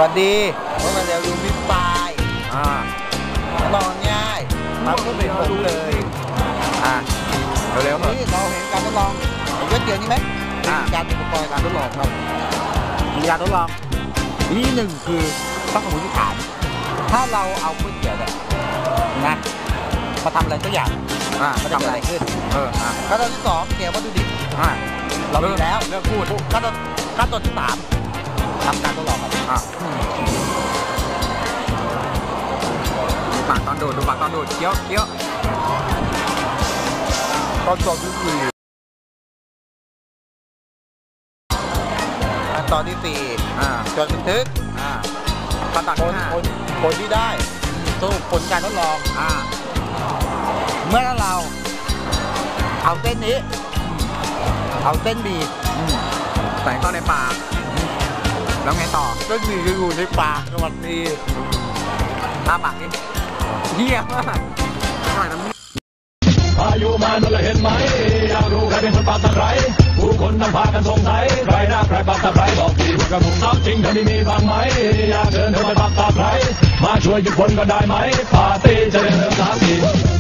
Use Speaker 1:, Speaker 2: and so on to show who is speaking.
Speaker 1: วัสดีว่ามาเร็วดูมิสปายลองง่ายมาเพื่อเป็นผมเลย
Speaker 2: เร็วๆ
Speaker 1: นี่เราเห็นการทดลองเห็นก๋วยเตี๋ยวนี่ไหมการอุปกรณ์การทดลองครับมีการทดลองที่หนึ่งคือต้องสมมติฐานถ้าเราเอาก๋วยเตี๋ยวเนี่ยนะมาทำอะไรสักอย่างมันจะทำอะไรขึ้นขั้นตอนที่สองเตรียมวัตถุดิบเรามีแล้วเรื่องพูดขั้นตอนที่สามทำการทดลองครับ
Speaker 2: ปากตอนดูดปากตอนดูดเคี้ยว
Speaker 1: ขั้นตอนที่สี่ขั้นตอนที่สี่จดบันทึก
Speaker 2: ขั้นตอนที่ห้า
Speaker 1: ผลที่ได้สรุปผลการทดลองเมื่อเราเอาเส้นนี้เอาเส้นบี
Speaker 2: ใส่เข้าในปากแล้วไงต่อ
Speaker 1: เส้นบีจะอยู่ในปากสวัสดี
Speaker 2: ปากนี่เยี่ยมมากหน่อยน้ำ
Speaker 3: พายุมาโดนเห็นไหมอยากรู้ใครเป็นคนปากตะไคร้ผู้คนนำพากันสงสัยใครหน้าใครปากตะไคร้บอกทีพวกกระผมซับจริงเธอไม่มีบ้างไหมอยากเชิญเธอมาปากตะไคร้มาช่วยหยุดฝนก็ได้ไหมปาร์ตี้จะเริ่ม3 ที